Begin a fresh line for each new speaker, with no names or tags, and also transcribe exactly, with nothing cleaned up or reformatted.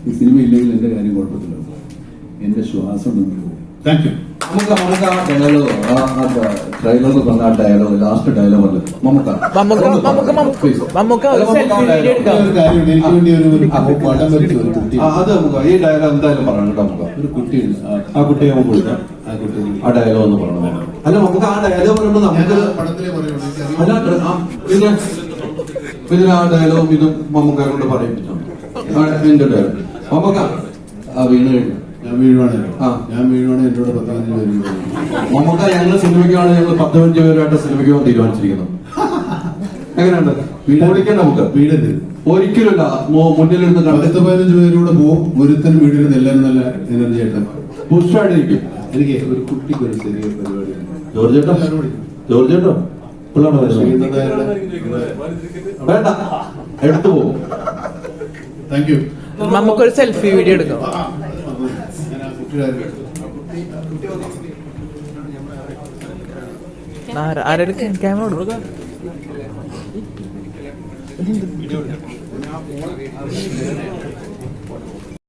ഈ സിനിമ ഇല്ലെങ്കിൽ എന്റെ കാര്യം കുഴപ്പത്തില്ല. എന്റെ ശ്വാസം താങ്ക് യു. നമുക്ക് നമുക്ക് ആ ഡയലോഗ് ട്രെയിലറിൽ പറഞ്ഞ ആ ഡയലോഗ് ലാസ്റ്റ് ഡയലോഗ് അല്ലേ നമുക്ക് അത് നമുക്ക് ഈ ഡയലോഗ് എന്തായാലും പറയണം കേട്ടോ. നമുക്ക് ഒരു കുട്ടിയുണ്ട്, ആ കുട്ടിയെ നമുക്ക് വിളിക്കാം. ആ കുട്ടി ആ ഡയലോഗ് ഒന്ന് പറയണം. അല്ല നമുക്ക് ആ ഡയലോഗ് പറയുമ്പോൾ നമുക്ക് അല്ല പിന്നെ ഇതിന് ആ ഡയലോഗും ഇതും നമുക്ക് കൊണ്ട് പറയിപ്പിച്ചോ. എന്റെ ഡയലോഗ് നമുക്ക് ആ വീണ് കഴിഞ്ഞു. ഞാൻ വീഴുവാണ് ആ ഞാൻ വീഴുവാണ് എന്നോട് പത്ത് പതിനഞ്ച് പേര് നമുക്ക് ഞങ്ങൾ സിനിമയ്ക്കാണ് ഞങ്ങൾ പത്ത് പതിനഞ്ച് പേരുമായിട്ട് സിനിമയ്ക്ക് പോകാൻ തീരുമാനിച്ചിരിക്കുന്നത്. എങ്ങനെയുണ്ട്? ഓടിക്കണ്ട നമുക്ക് വീടരുത് ഒരിക്കലുമില്ല. മുന്നിലിരുന്ന് പത്ത് പതിനഞ്ച് പേരൂടെ പോകും. ഒരുത്തനും വീടിരുന്ന് എല്ലാവരും നല്ല എനർജി ആയിട്ട് പുഷ്ടായിട്ടിരിക്കും. എനിക്ക് ഒരു കുട്ടിക്ക് ഒരു ചെറിയ പരിപാടി. ജോർജ് ചേട്ടോ ജോർജ് ചേട്ടോ പിള്ളേടെ വേണ്ട എടുത്തു പോകും. Thank you.
നമുക്കൊരു സെൽഫി വീഡിയോ എടുക്കാം. ആരുടെ ക്യാമറ കൊടുക്കാം.